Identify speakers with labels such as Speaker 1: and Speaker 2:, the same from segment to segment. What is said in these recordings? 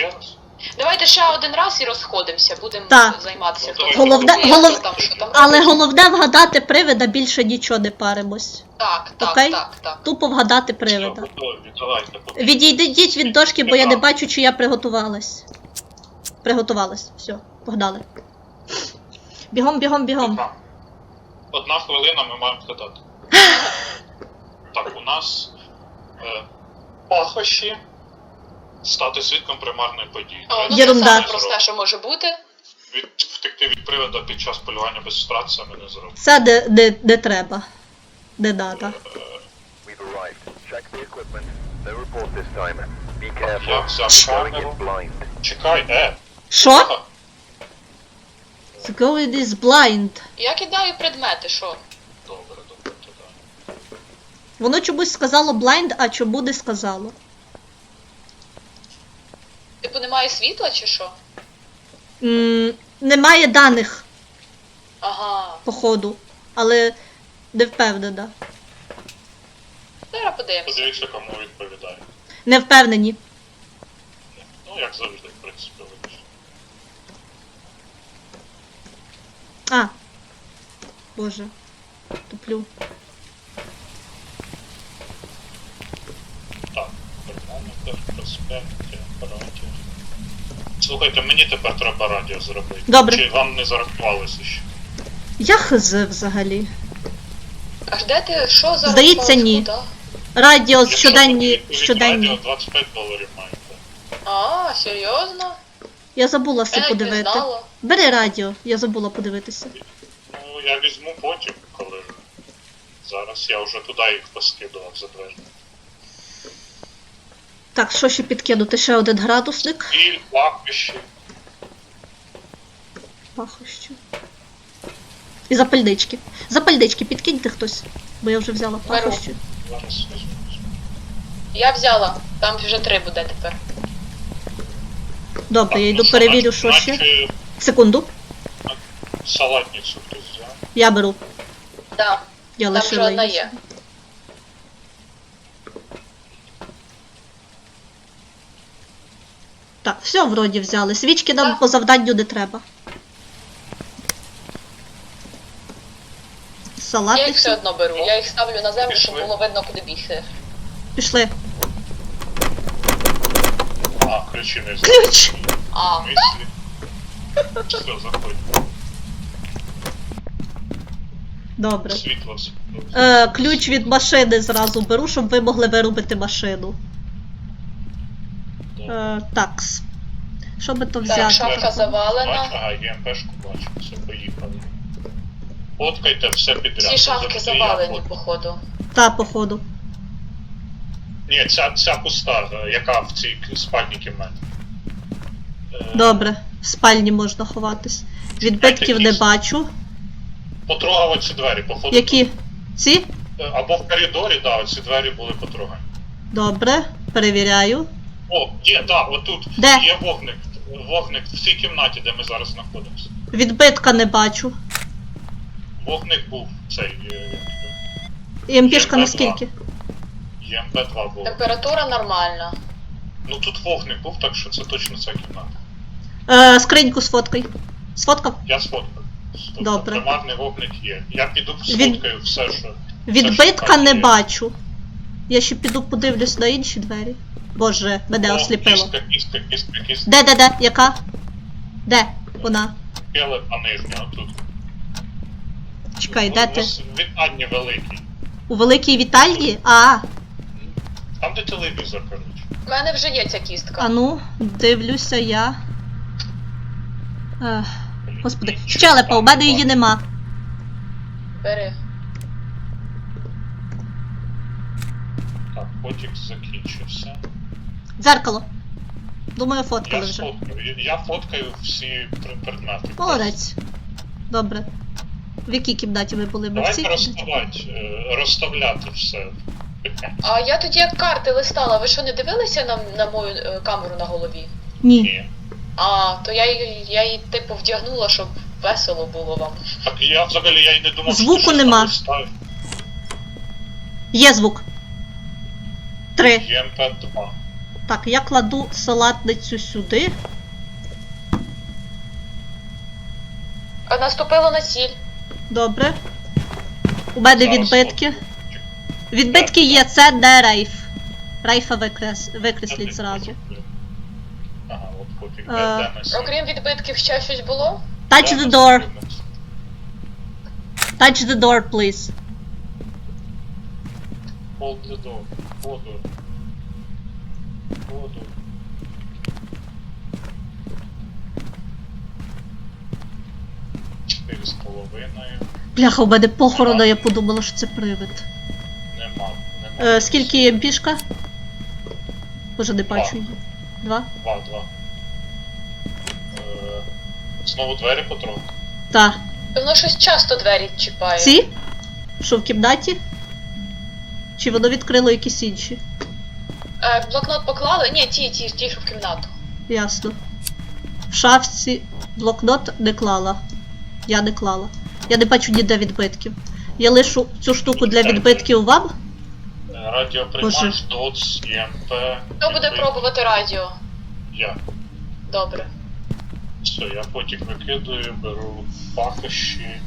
Speaker 1: Ще раз?
Speaker 2: Давайте ще один раз і розходимося, будемо
Speaker 3: Так.
Speaker 2: займатися.
Speaker 1: Ну,
Speaker 2: Хто
Speaker 1: давай.
Speaker 3: Головне,
Speaker 2: що там
Speaker 3: але
Speaker 2: робить.
Speaker 3: головне вгадати привида, більше нічого не паримось.
Speaker 2: Так.
Speaker 3: Окей? Тупо вгадати
Speaker 1: Все,
Speaker 3: привида.
Speaker 1: готові, давайте.
Speaker 3: Відійдіть від дошки, бо я не бачу, чи я приготувалась. Приготувалась. Все, погнали. Бігом.
Speaker 1: Так. 1 хвилина, ми маємо вгадати. Так, у нас пахощі стати свідком примарної події.
Speaker 2: О, ну
Speaker 3: Єрунда.
Speaker 2: це саме просте, що може бути.
Speaker 1: Втекти від привода під час полювання без страт це ми не зробимо.
Speaker 3: Це де треба. Де надо.
Speaker 4: We've arrived. Check the equipment. No report this time. Be
Speaker 1: Я
Speaker 4: careful.
Speaker 1: взяв
Speaker 4: Going in
Speaker 1: камеру.
Speaker 4: blind.
Speaker 1: Чекай,
Speaker 3: Що?
Speaker 1: Ага.
Speaker 3: The girl is blind.
Speaker 2: Я кидаю предмети, що?
Speaker 1: Добре, тоді.
Speaker 3: Воно чомусь сказало blind, а чому не сказало?
Speaker 2: Типу немає світла чи що?
Speaker 3: Немає даних,
Speaker 2: Ага.
Speaker 3: походу. Але не впевнена.
Speaker 2: Зараз подивимося.
Speaker 1: Подивіться, кому відповідає.
Speaker 3: Не впевнені.
Speaker 1: Ну, як завжди, в принципі, вибачте.
Speaker 3: А. Боже. Туплю.
Speaker 1: Так, термометр, проспекти, апаратів. Слухайте, мені тепер треба радіо зробити.
Speaker 3: Добре.
Speaker 1: Чи вам не зарахувалося ще?
Speaker 3: Я хз взагалі.
Speaker 2: Аж де ти, що зараз?
Speaker 3: Здається, ні.
Speaker 2: Куди?
Speaker 3: Радіо
Speaker 1: Якщо
Speaker 3: щоденні.
Speaker 1: відповідь радіо,
Speaker 3: щоденні.
Speaker 1: $25 маєте.
Speaker 2: А, серйозно?
Speaker 3: Я забула
Speaker 2: Я
Speaker 3: все
Speaker 2: навіть не
Speaker 3: подивити.
Speaker 2: знала.
Speaker 3: Бери радіо, я забула подивитися.
Speaker 1: Ну, я візьму потім, коли... Зараз я вже туди їх поскидував за двері.
Speaker 3: Так, що ще підкинути? Ще один градусник.
Speaker 1: Біль, пахощі.
Speaker 3: Пахощі. І запальнички. Запальнички підкиньте хтось, бо я вже взяла
Speaker 2: Беру.
Speaker 3: пахощі.
Speaker 1: Зараз візьму.
Speaker 2: Я взяла. Там вже 3 буде тепер.
Speaker 3: Добре, я
Speaker 1: Так,
Speaker 3: йду
Speaker 1: ну,
Speaker 3: перевірю, що ще.
Speaker 1: наче
Speaker 3: Секунду.
Speaker 1: салатницю хтось взяв.
Speaker 3: Я беру.
Speaker 2: Так.
Speaker 3: Я
Speaker 2: Там вже
Speaker 3: лишила
Speaker 2: одна
Speaker 3: її.
Speaker 2: є.
Speaker 3: Так, все вроді взяли. Свічки нам
Speaker 2: Так.
Speaker 3: по завданню не треба.
Speaker 2: Я їх все
Speaker 3: Салатницю.
Speaker 2: одно беру. Я їх ставлю на землю, щоб
Speaker 1: Пішли.
Speaker 2: було видно, куди бігти.
Speaker 3: Пішли.
Speaker 1: А, ключі не взяв.
Speaker 3: Ключ!
Speaker 2: А,
Speaker 1: Мислі. Все, заходь.
Speaker 3: Добре.
Speaker 1: Світло.
Speaker 3: Ключ від машини зразу беру, щоб ви могли вирубити машину. Такс. Що би то
Speaker 2: так,
Speaker 3: взяти?
Speaker 2: шафа завалена.
Speaker 1: Бачу, ага, ЄМПшку бачу. Все, поїхали. Фоткайте все підряд.
Speaker 2: Ці шафки
Speaker 1: Завжди я
Speaker 2: завалені,
Speaker 1: фоткаю.
Speaker 2: походу.
Speaker 3: Та, походу.
Speaker 1: Ні, ця пуста, яка в цій спальній кімнаті.
Speaker 3: Добре. В спальні можна ховатись. Відбитків не бачу.
Speaker 1: Потрогав оці двері, походу.
Speaker 3: Які? Ці?
Speaker 1: Або в коридорі, да, оці двері були потрогані.
Speaker 3: Добре. Перевіряю.
Speaker 1: О, є, да, отут
Speaker 3: Де?
Speaker 1: є вогник. Вогник в цій кімнаті, де ми зараз знаходимося.
Speaker 3: Відбитка не бачу.
Speaker 1: Вогник був цей
Speaker 3: ЄМПшка
Speaker 1: ЄМП-2.
Speaker 3: наскільки?
Speaker 1: ЄМП-2 був.
Speaker 2: Температура нормальна.
Speaker 1: Ну тут вогник був, так що це точно ця кімната.
Speaker 3: Скриньку сфоткай. Сфоткав?
Speaker 1: Я сфоткав.
Speaker 3: Добре.
Speaker 1: Примарний вогник є. Я піду
Speaker 3: Від-
Speaker 1: сфоткаю все, що...
Speaker 3: Відбитка
Speaker 1: там
Speaker 3: не
Speaker 1: є.
Speaker 3: бачу. Я ще піду подивлюсь на інші двері. Боже, мене осліпило.
Speaker 1: Кістка.
Speaker 3: Де? Яка? Де? Вона.
Speaker 1: Келепа нижня, отут.
Speaker 3: Чекай, де ти?
Speaker 1: Вітальні великі.
Speaker 3: У великій вітальні? А,
Speaker 1: Там де телевізор, коротше.
Speaker 2: У мене вже є ця кістка.
Speaker 3: а ну, дивлюся я. Господи, щелепа, у мене її нема.
Speaker 2: Бери.
Speaker 1: Так, потік закінчився.
Speaker 3: Дзеркало. Думаю, фоткали
Speaker 1: Я
Speaker 3: вже.
Speaker 1: сфоткаю. Я фоткаю всі предмети.
Speaker 3: Молодець. Добре. В якій кімнаті ви були? Ми в цій
Speaker 1: Давайте
Speaker 3: кімнаті?
Speaker 1: розставляти все.
Speaker 2: А я тоді як карти листала, ви що не дивилися на мою камеру на голові?
Speaker 3: Ні.
Speaker 1: Ні.
Speaker 2: А, то я її типу вдягнула, щоб весело було вам.
Speaker 1: Так я взагалі я й не думав,
Speaker 3: Звуку
Speaker 1: що ти
Speaker 3: нема.
Speaker 1: щось там
Speaker 3: Є звук. 3.
Speaker 1: ЄМП-2.
Speaker 3: Так, я кладу салатницю сюди.
Speaker 2: Наступило на ціль.
Speaker 3: Добре. У мене
Speaker 1: Зараз
Speaker 3: відбитки.
Speaker 1: фотку.
Speaker 3: Відбитки є, це не рейф. Рейфа викресліть зразу.
Speaker 1: Ага, от потік.
Speaker 3: Е,
Speaker 1: Де ми
Speaker 2: Окрім відбитків ще щось було?
Speaker 3: Touch the door. Touch the door, please.
Speaker 1: Hold the door. Воду. Воду. Чотири з половиною.
Speaker 3: Бляха, у мене похорона, я подумала, що це привид.
Speaker 1: Нема. Нема.
Speaker 3: Скільки МПшка? Боже, не бачу
Speaker 1: Два.
Speaker 3: її. 2?
Speaker 1: Два. Знову двері потроху.
Speaker 3: Так.
Speaker 2: Воно щось часто двері чіпає.
Speaker 3: Ці? Що в кімнаті? Чи воно відкрило якісь інші?
Speaker 2: Блокнот поклали? Ні, ті, що в кімнату.
Speaker 3: Ясно. В шафці блокнот не клала. Я не клала. Я не бачу ніде відбитків. Я лишу цю штуку для відбитків вам.
Speaker 1: Радіоприймач, ДОЦ, ЄМП.
Speaker 2: Хто буде пробувати радіо?
Speaker 1: Я.
Speaker 2: Добре.
Speaker 1: Все, я потік викидаю, беру пахощі.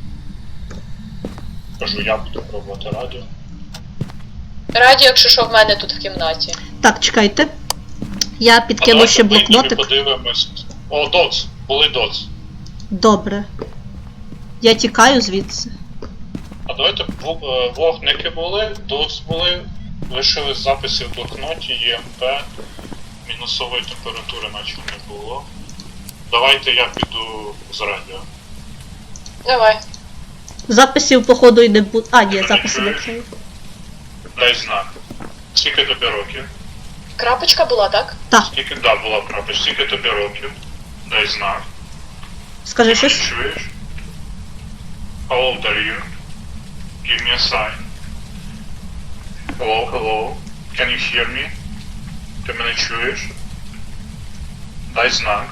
Speaker 1: Кажу, я буду пробувати радіо.
Speaker 2: Радіо, якщо що, в мене тут в кімнаті.
Speaker 3: Так, чекайте. Я підкину
Speaker 1: давайте
Speaker 3: ще
Speaker 1: вийдемо і
Speaker 3: блокнотик.
Speaker 1: подивимось. О, ДОЦ! Були ДОЦ.
Speaker 3: Добре. Я тікаю звідси.
Speaker 1: А давайте вогники були, ДОЦ були, лишили записи в блокноті, ЄМП, мінусової температури наче не було. Давайте я піду з радіо.
Speaker 2: Давай.
Speaker 3: Записів, походу, і не буде. А, ні,
Speaker 1: Ти мене
Speaker 3: записи
Speaker 1: чуєш?
Speaker 3: закрию.
Speaker 1: Дай знак. Скільки тобі років?
Speaker 2: Крапочка була, так?
Speaker 3: Так,
Speaker 1: Скільки, да, була правда. Скільки тобі років? Дай знак.
Speaker 3: скажи
Speaker 1: Ти мене
Speaker 3: щось.
Speaker 1: чуєш? How old are you? Give me a sign. Hello, hello. Can you hear me? Ти мене чуєш? Дай знак.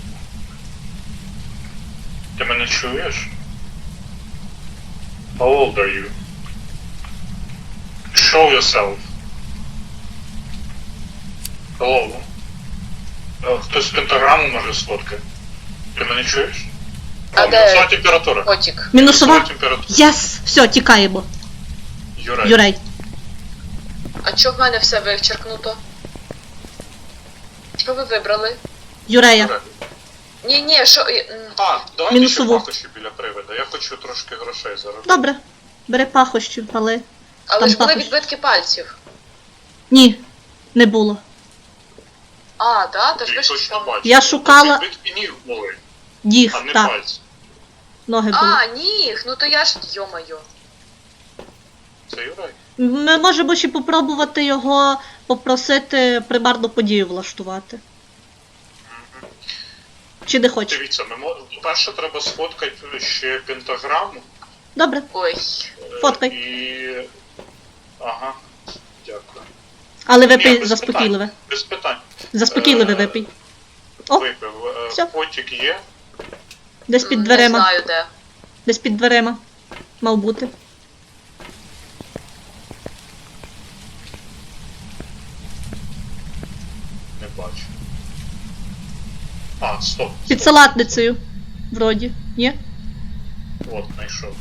Speaker 1: Ти мене чуєш? How old are you? Show yourself. Hello. Хтось пентаграму може сфоткати. Ти мене чуєш?
Speaker 2: А де
Speaker 1: Мінусова температура.
Speaker 2: потік?
Speaker 3: Мінусова.
Speaker 1: температура.
Speaker 3: Єс! Все, тікаємо.
Speaker 1: Юрай.
Speaker 3: Юрей.
Speaker 2: А чого в мене все вичеркнуто? Що ви вибрали?
Speaker 3: Юрея.
Speaker 1: Юрай.
Speaker 2: Ні, що.
Speaker 1: А, давайте
Speaker 3: Мінусову.
Speaker 1: ще пахощі біля привида. Я хочу трошки грошей заробити.
Speaker 3: Добре. Бери пахощів, але.
Speaker 2: Але
Speaker 3: Там
Speaker 2: ж були
Speaker 3: також.
Speaker 2: відбитки пальців.
Speaker 3: Ні, не було.
Speaker 2: А, так? Тож
Speaker 1: Ти
Speaker 2: ви ж
Speaker 1: точно
Speaker 2: там.
Speaker 1: бачиш.
Speaker 3: Я шукала-
Speaker 1: Відбитки ніг були,
Speaker 3: Ніг,
Speaker 1: а не
Speaker 3: так.
Speaker 1: пальці.
Speaker 3: Ноги були.
Speaker 2: А, ніг, ну то я ж. Йо-моє.
Speaker 1: Це Юрай?
Speaker 3: Ми можемо ще попробувати його попросити примарну подію влаштувати. Чи не хочеш?
Speaker 1: Дивіться, перше треба сфоткати ще пентаграму.
Speaker 3: Добре,
Speaker 2: Ой.
Speaker 3: Фоткай.
Speaker 1: І... Ага, дякую.
Speaker 3: але
Speaker 1: Ні,
Speaker 3: випий
Speaker 1: без
Speaker 3: заспокійливе.
Speaker 1: Без питань.
Speaker 3: Заспокійливе випий. О,
Speaker 1: Випив.
Speaker 3: всьо.
Speaker 1: Потік є.
Speaker 3: десь під
Speaker 2: Не
Speaker 3: дверима.
Speaker 2: знаю де.
Speaker 3: Десь під дверима. Мав бути.
Speaker 1: Не бачу. А, стоп.
Speaker 3: Під
Speaker 1: стоп.
Speaker 3: салатницею. Вроді. Ні?
Speaker 1: От, знайшов.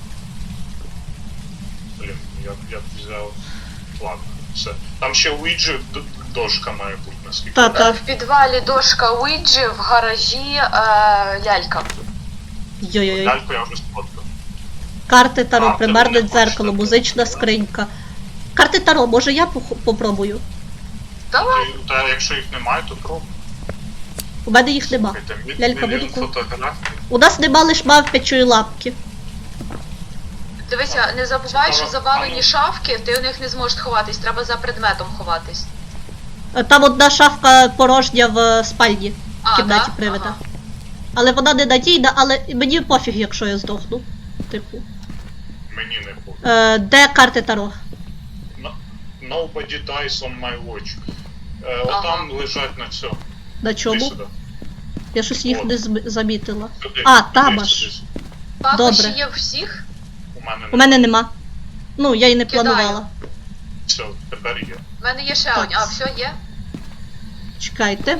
Speaker 1: Блін, я б взяв. Ладно, все. Там ще у Іджі дошка має бути, наскільки.
Speaker 3: Та,
Speaker 1: я
Speaker 3: та.
Speaker 2: В підвалі дошка Уіджі, в гаражі лялька.
Speaker 3: Йой-йой.
Speaker 1: Ляльку я вже сфоткав.
Speaker 3: Карти Таро,
Speaker 1: А,
Speaker 3: примарне
Speaker 1: ти не хочеш
Speaker 3: дзеркало,
Speaker 1: так?
Speaker 3: музична скринька. Карти Таро, може я попробую?
Speaker 2: Давай.
Speaker 1: Та якщо їх немає, то пробуй.
Speaker 3: У мене їх нема. Лялька
Speaker 1: Мільйон
Speaker 3: буду.
Speaker 1: фотографій.
Speaker 3: У нас нема лиш мавпячої лапки.
Speaker 2: Дивися, не забувай, що
Speaker 1: Цікаво.
Speaker 2: завалені шафки, ти у них не зможеш ховатись, треба за предметом ховатись.
Speaker 3: Там одна шафка порожня в спальні, в
Speaker 2: А,
Speaker 3: кімнаті
Speaker 2: да?
Speaker 3: привида.
Speaker 2: Ага.
Speaker 3: Але вона не надійна, але мені пофіг, якщо я здохну. Типу.
Speaker 1: Мені не буде.
Speaker 3: Де карти Таро?
Speaker 1: Nobody dies on my watch.
Speaker 2: Ага.
Speaker 1: Отам лежать на цьому.
Speaker 3: На
Speaker 1: Іди
Speaker 3: чому?
Speaker 1: сюди.
Speaker 3: Я щось їх
Speaker 1: От.
Speaker 3: не замітила.
Speaker 1: Сюди.
Speaker 3: А,
Speaker 1: Іди
Speaker 3: там аж.
Speaker 1: сюди.
Speaker 2: Пахощі
Speaker 3: Добре.
Speaker 2: є у всіх?
Speaker 1: У мене
Speaker 3: У мене нема. Ну, я і не
Speaker 2: Кидаю.
Speaker 3: планувала.
Speaker 1: Все, тепер є.
Speaker 2: У мене є ще
Speaker 3: Так.
Speaker 2: одні. А, все є?
Speaker 3: Чекайте.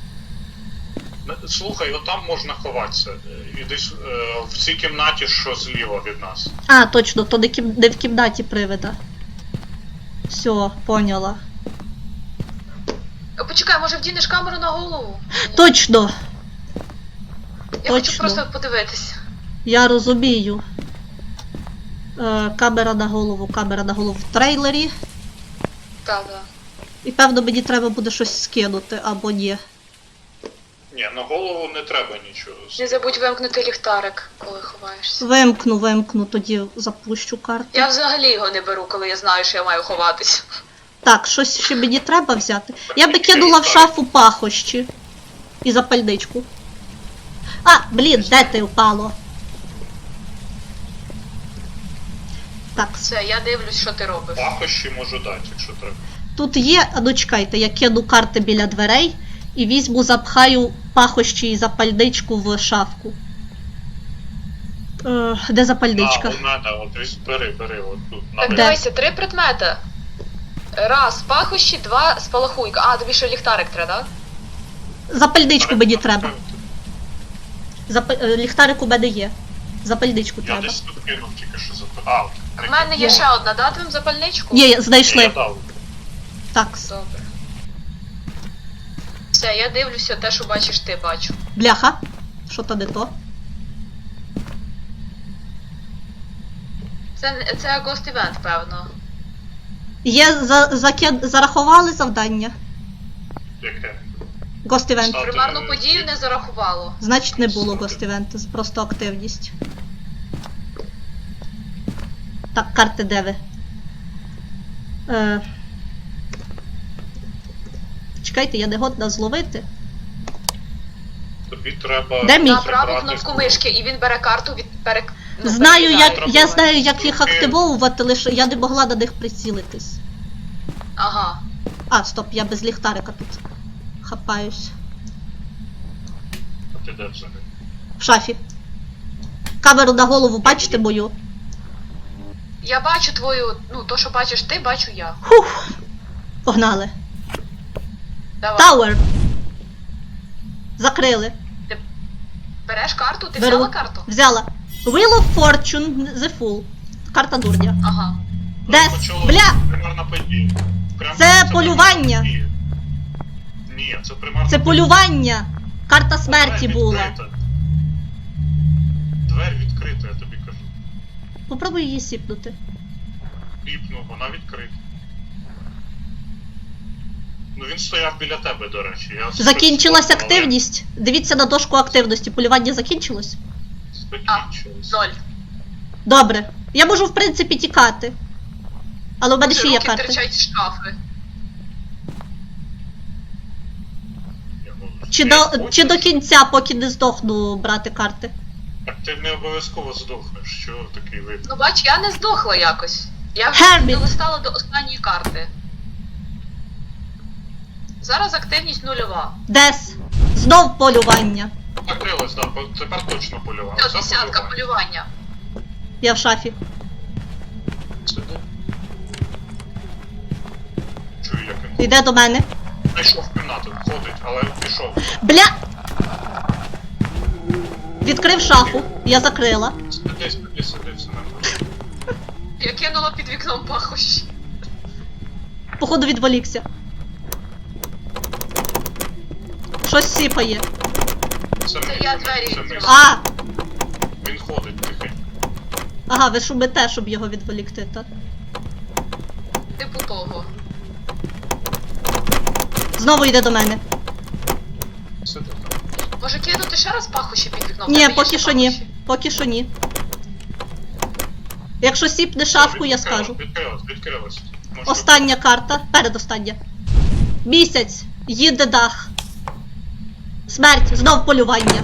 Speaker 1: Слухай, отам можна ховатися. І десь в цій кімнаті, що зліва від нас.
Speaker 3: А, точно, то не в кімнаті привида. Все, поняла.
Speaker 2: Почекай, може вдінеш камеру на голову?
Speaker 3: Точно!
Speaker 2: Я хочу
Speaker 3: точно.
Speaker 2: просто подивитися.
Speaker 3: Я розумію. Камера на голову в трейлері.
Speaker 2: Так.
Speaker 3: І певно мені треба буде щось скинути, або ні.
Speaker 1: Ні, на голову не треба нічого.
Speaker 2: Не забудь вимкнути ліхтарик, коли ховаєшся.
Speaker 3: Вимкну, тоді запущу карту.
Speaker 2: Я взагалі його не беру, коли я знаю, що я маю ховатись.
Speaker 3: Так, щось ще мені треба взяти. Я би кинула в шафу пахощі. І запальничку. А, блін, де ти впало? Так,
Speaker 2: Все, я дивлюсь, що ти робиш.
Speaker 1: Пахощі можу дати, якщо треба.
Speaker 3: тут є, а ну чекайте, я кину карти біля дверей і візьму, запхаю пахощі і запальничку в шафку. Де запальничка?
Speaker 1: А, у мене, от ось бери, от тут.
Speaker 2: Так,
Speaker 3: Де?
Speaker 2: дивися, 3 предмети. Раз, пахощі, 2, спалахуйка. А, тобі ще ліхтарик треба, так?
Speaker 3: Запальничку мені треба. Ліхтарик у мене є. Запальничку
Speaker 1: Я
Speaker 3: треба.
Speaker 1: десь тут кинув тільки що за...
Speaker 2: У мене є ще одна, дати вам запальничку?
Speaker 3: Є,
Speaker 1: Я
Speaker 3: знайшли.
Speaker 1: дав.
Speaker 3: Так,
Speaker 2: Добре. Все, я дивлюся те, що бачиш ти, бачу.
Speaker 3: бляха. Що то не то?
Speaker 2: Це Ghost Event, певно.
Speaker 3: Є, зарахували завдання.
Speaker 1: Яке?
Speaker 3: Ghost Event.
Speaker 1: Стати-
Speaker 2: Примарну подію не зарахувало.
Speaker 3: Значить не було Ghost Event, просто активність. Так, карти де ви? Чекайте, я не годна зловити.
Speaker 1: Тобі треба...
Speaker 3: Де мій?
Speaker 2: На праву
Speaker 1: забрати
Speaker 2: кнопку
Speaker 1: з-
Speaker 2: мишки, і він бере карту від
Speaker 3: Знаю,
Speaker 1: перекидаю.
Speaker 3: я знаю, як їх активовувати, лише я не могла на них прицілитись.
Speaker 2: Ага.
Speaker 3: А, стоп, я без ліхтарика тут хапаюсь.
Speaker 1: А ти де взагалі?
Speaker 3: В шафі. Камеру на голову, бачите мою?
Speaker 2: Я бачу твою, ну, то, що бачиш ти, бачу я.
Speaker 3: Фух. Погнали.
Speaker 2: Давай.
Speaker 3: Тауер. Закрили.
Speaker 2: Береш карту? Ти
Speaker 3: Беру.
Speaker 2: взяла карту?
Speaker 3: Взяла. Wheel of Fortune, the Fool. Карта дурня.
Speaker 2: Ага.
Speaker 3: Де?
Speaker 1: Почало
Speaker 3: Бля!
Speaker 1: Примарна подія.
Speaker 3: Це полювання.
Speaker 1: примарна подія. Ні, це примарна
Speaker 3: Це полювання. Карта
Speaker 1: подія.
Speaker 3: смерті
Speaker 1: Двері
Speaker 3: була.
Speaker 1: відкрита. Двері відкрита, я тобі кажу.
Speaker 3: Попробуй її сіпнути.
Speaker 1: Піпну, вона відкрита. Ну він стояв біля тебе, до речі. Я
Speaker 3: Закінчилась
Speaker 1: щось спробував,
Speaker 3: активність. Дивіться на дошку активності. Полювання закінчилось.
Speaker 1: але Закінчилось.
Speaker 2: 0.
Speaker 3: Добре. Я можу, в принципі, тікати. Але в мене ще є
Speaker 2: Руки
Speaker 3: карти.
Speaker 2: терчать з шафи.
Speaker 1: Я можу.
Speaker 3: Чи до кінця, поки не здохну, брати карти.
Speaker 1: Так ти не обов'язково здохнеш, що такий вид.
Speaker 2: Ну бач, я не здохла якось. Я вже
Speaker 3: Гербіт.
Speaker 2: долистала до останньої карти. Зараз активність 0.
Speaker 3: Дес. Знов полювання.
Speaker 1: Закрилось, так, тепер точно полював.
Speaker 2: Це
Speaker 1: Це
Speaker 2: десятка
Speaker 1: полювання.
Speaker 2: полювання.
Speaker 3: Я в шафі.
Speaker 1: Сиди. Чую, як він
Speaker 3: Йде до мене.
Speaker 1: знайшов в кімнату, ходить, але пішов.
Speaker 3: Бля! Відкрив шафу. Я закрила.
Speaker 1: Сиди, все нормально.
Speaker 2: Я кинула під вікном пахощі.
Speaker 3: Походу відволікся. Щось сіпає.
Speaker 1: Це
Speaker 2: я двері
Speaker 1: це
Speaker 2: відкриваю.
Speaker 3: А!
Speaker 1: Він ходить тихенько.
Speaker 3: Ага, ви шумите, щоб його відволікти, так?
Speaker 2: Типу того.
Speaker 3: Знову йде до мене.
Speaker 1: Сиди там.
Speaker 2: Може кинути ще раз пахощі під вікном?
Speaker 3: Ні,
Speaker 2: Тебе є
Speaker 3: поки
Speaker 2: ще
Speaker 3: що ні.
Speaker 2: пахощі?
Speaker 3: Поки що ні. Якщо сіпне шафку, я
Speaker 1: Відкрилось,
Speaker 3: скажу.
Speaker 1: Відкрилось. Можеш
Speaker 3: Остання карта. Передостання. Місяць. Їде дах. Смерть. Знов полювання.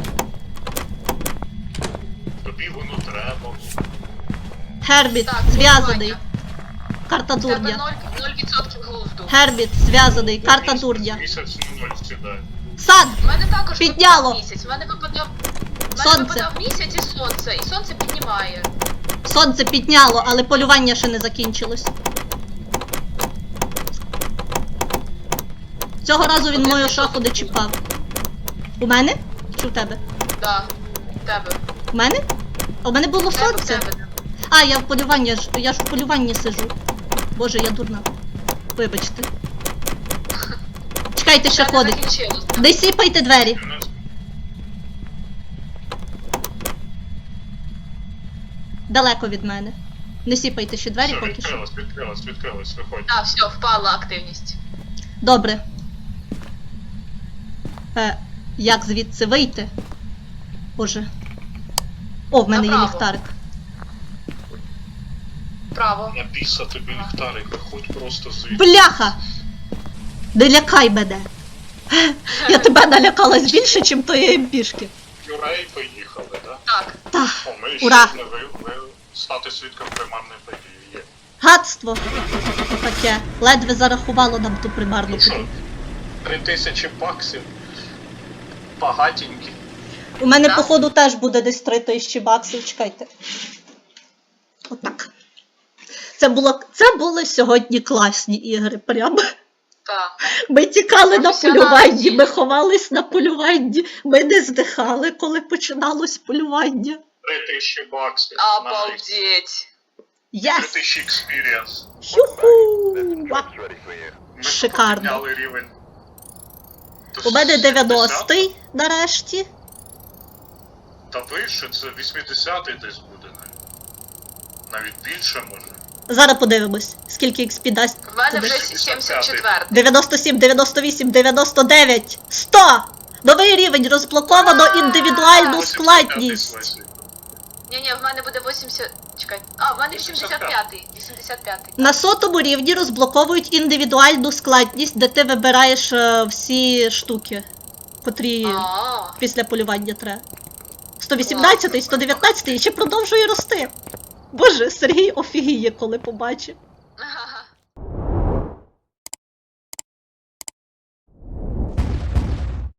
Speaker 1: Тобі воно треба.
Speaker 3: Гербіт.
Speaker 2: Так,
Speaker 3: Зв'язаний.
Speaker 2: полювання.
Speaker 3: Карта
Speaker 2: В тебе
Speaker 3: дурня.
Speaker 2: 0% глузду.
Speaker 3: Гербіт. Зв'язаний. Карта дурня.
Speaker 1: Місяць на 0 сідає.
Speaker 3: Сан.
Speaker 2: У мене також
Speaker 3: Підняло.
Speaker 2: випадав місяць. У мене випадав...
Speaker 3: Сонце.
Speaker 2: випадав місяць і сонце. І сонце піднімає.
Speaker 3: Сонце підняло, але полювання ще не закінчилось. Цього разу він мою шафу не чіпав. У мене? Чи в тебе?
Speaker 2: Да, в тебе.
Speaker 3: У мене? А у мене було
Speaker 2: В тебе, в
Speaker 3: сонце.
Speaker 2: тебе.
Speaker 3: А, я в полюванні, я ж в полюванні сижу. Боже, я дурна. Вибачте. Чекайте, ще
Speaker 2: Ще не
Speaker 3: ходить.
Speaker 2: закінчилось.
Speaker 3: Не сіпайте двері. Далеко від мене. Не сіпайте ще двері
Speaker 1: Все,
Speaker 3: поки що.
Speaker 1: відкрилось, виходь.
Speaker 2: Так, все, впала активність.
Speaker 3: Добре. Як звідси вийти? Боже. О, в мене є
Speaker 2: Направо.
Speaker 3: ліхтарик.
Speaker 2: Право.
Speaker 1: На біса тобі ліхтарик, виходь просто звідси.
Speaker 3: Бляха! Не лякай мене. Я тебе налякалась більше, чим тої МПшки.
Speaker 1: Юрей поїхали, да?
Speaker 2: Так.
Speaker 3: Та,
Speaker 1: О, ми
Speaker 3: ура!
Speaker 1: ще не стати свідком примарної події є.
Speaker 3: гадство. Таке. Ледве зарахувало нам ту примарну
Speaker 1: Ну що,
Speaker 3: подію.
Speaker 1: 3000 баксів. Багатенькі.
Speaker 3: У мене,
Speaker 2: Так.
Speaker 3: походу, теж буде десь 3000 баксів, чекайте. Отак. Це були сьогодні класні ігри, прямо.
Speaker 2: Так.
Speaker 3: Ми тікали на
Speaker 2: Професіонали
Speaker 3: полюванні,
Speaker 2: ті.
Speaker 3: ми ховались на полюванні, ми не здихали, коли починалось полювання.
Speaker 1: 3000 баксів.
Speaker 2: Обалдеть.
Speaker 3: Єс!
Speaker 1: 3000 експірієнс.
Speaker 3: Юху!
Speaker 4: There's traps ready for you.
Speaker 1: Ми
Speaker 3: Шикарно.
Speaker 1: підняли рівень. до
Speaker 3: У мене
Speaker 1: 70.
Speaker 3: 90-й нарешті.
Speaker 1: Та вище, це 80-й десь буде навіть. Навіть більше може.
Speaker 3: Зараз подивимось, скільки XP дасть.
Speaker 2: В мене
Speaker 3: тобі.
Speaker 2: вже 74.
Speaker 3: 97, 98, 99, 100! Новий рівень, розблоковано індивідуальну
Speaker 1: 85-й
Speaker 3: складність.
Speaker 1: Слесі.
Speaker 2: Ні, в мене буде 80... Чекай. А, в мене 85-й. 85-й.
Speaker 3: На 100-му рівні розблоковують індивідуальну складність, де ти вибираєш всі штуки, котрі
Speaker 2: А,
Speaker 3: після полювання треба. 118, 119 і ще продовжує рости. Боже, Сергій офігіє, коли побачив.